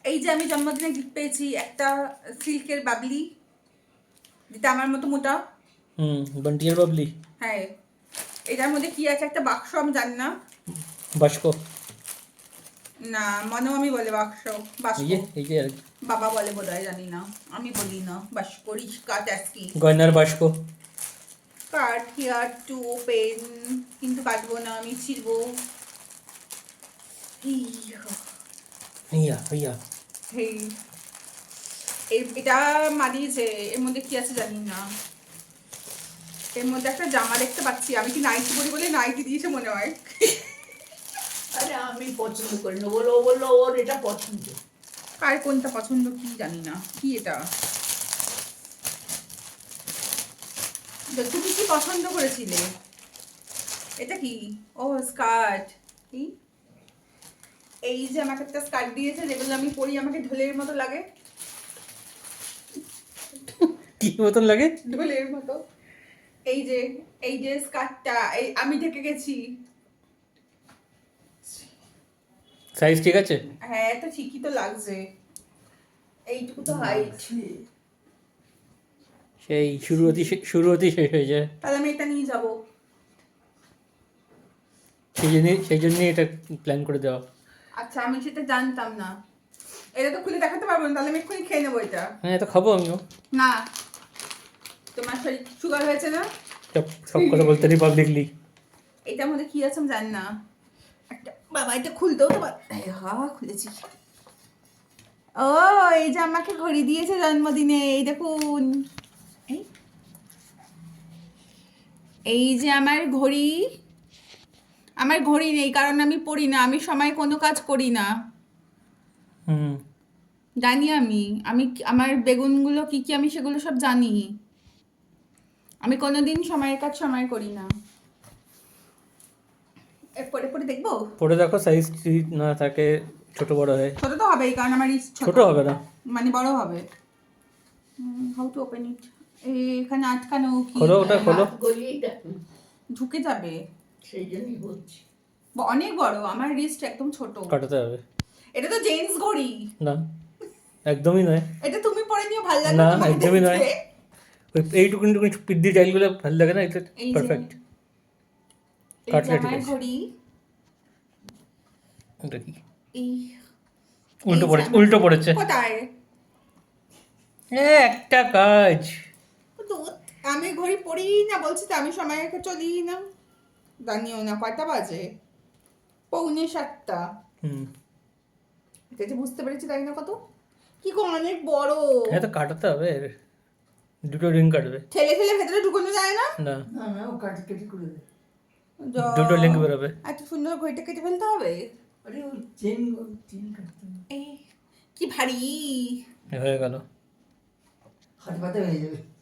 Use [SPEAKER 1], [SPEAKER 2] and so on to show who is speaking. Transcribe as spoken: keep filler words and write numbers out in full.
[SPEAKER 1] এই যে আমি জন্মদিনে গিফট পেয়েছি একটা সিল্কের বাবলি, যেটা আমার মতো মোটা।
[SPEAKER 2] হুম বান্টিয়ার বাবলি।
[SPEAKER 1] হ্যাঁ, এটার মধ্যে কি আছে একটা বাক্স, আমি জানি না।
[SPEAKER 2] বাস্ক।
[SPEAKER 1] না, মনে আমি বলে বাক্স, বাক্স
[SPEAKER 2] এই যে এই যে আর কি।
[SPEAKER 1] বাবা বলে বোধহয়, জানি না, আমি বলি না। বাস্ক, রিস্কা, ট্যাক্সি,
[SPEAKER 2] গয়নার বাস্ক।
[SPEAKER 1] কার্ড হিয়ার টু ওপেন, কিন্তু কাটবো না, আমি ছিড়বো।
[SPEAKER 2] ইয়া ইয়া
[SPEAKER 1] হেই, এই- এটা মা দিয়েছে। এর মধ্যে কি আছে জানি না। এর মধ্যে একটা জামা দেখতে পাচ্ছি, আমি কি নাইটি পরি বলে নাইটি দিয়েছে মনে হয়।
[SPEAKER 3] আরে আমি পছন্দ করি না, বলো ও বললো ওর এটা পছন্দ।
[SPEAKER 1] কার কোনটা পছন্দ কি জানি না। কি এটা? তো তুমি কি পছন্দ করেছিলে? এটা কি? ও স্কার্ট। কি? এই যে আমাকে একটা স্কার্ট দিয়েছে, যেগুলো আমি পরি আমাকে ঢোলের মতো লাগে।
[SPEAKER 2] কি মতন লাগে?
[SPEAKER 1] ঢোলের মতো। এই যে এই যে স্কার্টটা, এই আমি ঢেকে গেছি।
[SPEAKER 2] সাইজ ঠিক আছে?
[SPEAKER 1] হ্যাঁ, তো ঠিকই তো লাগছে। এইটুকু তো হাইট।
[SPEAKER 2] সেই শুরু হতে শুরু হতেই শেষ হয়ে যায়।
[SPEAKER 1] তাহলে আমি এটা নিয়ে যাবো।
[SPEAKER 2] সেই জন্যই সেই জন্যই এটা প্ল্যান করে দেওয়া।
[SPEAKER 1] আচ্ছা, আমি সেটা জানতাম না। এটা তো খুলে দেখাতে পারবো না, তাহলে আমি এক্ষুনি খেয়ে নেবো এটা।
[SPEAKER 2] হ্যাঁ এটা খাবো আমিও।
[SPEAKER 1] না, তোমার শরীর সুগার হয়েছে না?
[SPEAKER 2] সব সব কথা বলতে নেই পাবলিকলি।
[SPEAKER 1] এটার মধ্যে কি আছে আমি জানি না। একটা বাবা, এটা খুলতেও তো পার- এই হা, খুলেছি। ও, এই যে আমাকে ঘড়ি দিয়েছে জন্মদিনে, এই দেখুন। এই এই যে আমার ঘড়ি। আমার ঘড়ি নেই, কারণ আমি পড়ি না, আমি সময় কোনো কাজ করি না।
[SPEAKER 2] হুম
[SPEAKER 1] জানি আমি আমি কি- আমার বেগুনগুলো কি কি আমি সেগুলো সব জানি। আমি কোনোদিন সময়ের কাজ সময় করি না। এর পরে পরে দেখবো।
[SPEAKER 2] পরে দেখো সাইজ যদি না থাকে ছোট বড় হয়।
[SPEAKER 1] ছোট তো হবেই, কারণ আমার রিস্ক
[SPEAKER 2] ছোট হবে না।
[SPEAKER 1] মানে বড় হবে। How to open it? এখানে আটকানো কি?
[SPEAKER 2] খোলো ওটা খোলো।
[SPEAKER 3] হাত গলিয়েই দেখো,
[SPEAKER 1] ঢুকে যাবে।
[SPEAKER 3] সেই জন্যই বলছি।
[SPEAKER 1] ব- অনেক বড়, আমার রিস্ট একদম ছোট।
[SPEAKER 2] কাটাতে হবে।
[SPEAKER 1] এটা তো জেন্টস ঘড়ি।
[SPEAKER 2] না একদমই নয়।
[SPEAKER 1] এটা তুমি পরে নিও, ভালো লাগবে
[SPEAKER 2] না,
[SPEAKER 1] তোমাকে
[SPEAKER 2] একদমই নয়।
[SPEAKER 1] দেখতে।
[SPEAKER 2] ওই এইটুকুন টুকুন পিদ্দি টাইলগুলো ভালো লাগে না, এটা
[SPEAKER 1] এই যে-
[SPEAKER 2] পারফেক্ট।
[SPEAKER 1] এই যে
[SPEAKER 2] কাটলে ঠিক
[SPEAKER 1] আমার
[SPEAKER 2] আছে।
[SPEAKER 1] ঘড়ি।
[SPEAKER 2] এটা কি
[SPEAKER 1] এই
[SPEAKER 2] উল্টো
[SPEAKER 1] এই যে
[SPEAKER 2] পড়েছে
[SPEAKER 1] আমার-
[SPEAKER 2] উল্টো পড়েছে।
[SPEAKER 1] কোথায়?
[SPEAKER 2] এ একটা কাজ।
[SPEAKER 1] তো আমি ঘড়ি পড়ি না, বলছি তো আমি সময় রেখে চলি না। জানিও না কয়টা বাজে, পৌনে সাতটা।
[SPEAKER 2] হুম
[SPEAKER 1] এটা যে বুঝতে পেরেছি তাই না, কত কি গো, অনেক বড়।
[SPEAKER 2] হ্যাঁ তো কাটাতে হবে, দুটো রিং কাটবে।
[SPEAKER 1] ঠেলে ঠেলে ভেতরে ঢুকানো যায় না?
[SPEAKER 2] না
[SPEAKER 3] না না, ও কাটি কেটে করে দেয়।
[SPEAKER 1] যা,
[SPEAKER 2] দুটো লিঙ্ক বেরোবে।
[SPEAKER 1] এত সুন্দর ঘড়িটা কেটে ফেলতে হবে।
[SPEAKER 3] আরে ওই চেন চেন কাটতে হবে।
[SPEAKER 1] এই কি ভারী।
[SPEAKER 2] হয়ে গেল।
[SPEAKER 3] হাত পাতে হয়ে যাবে।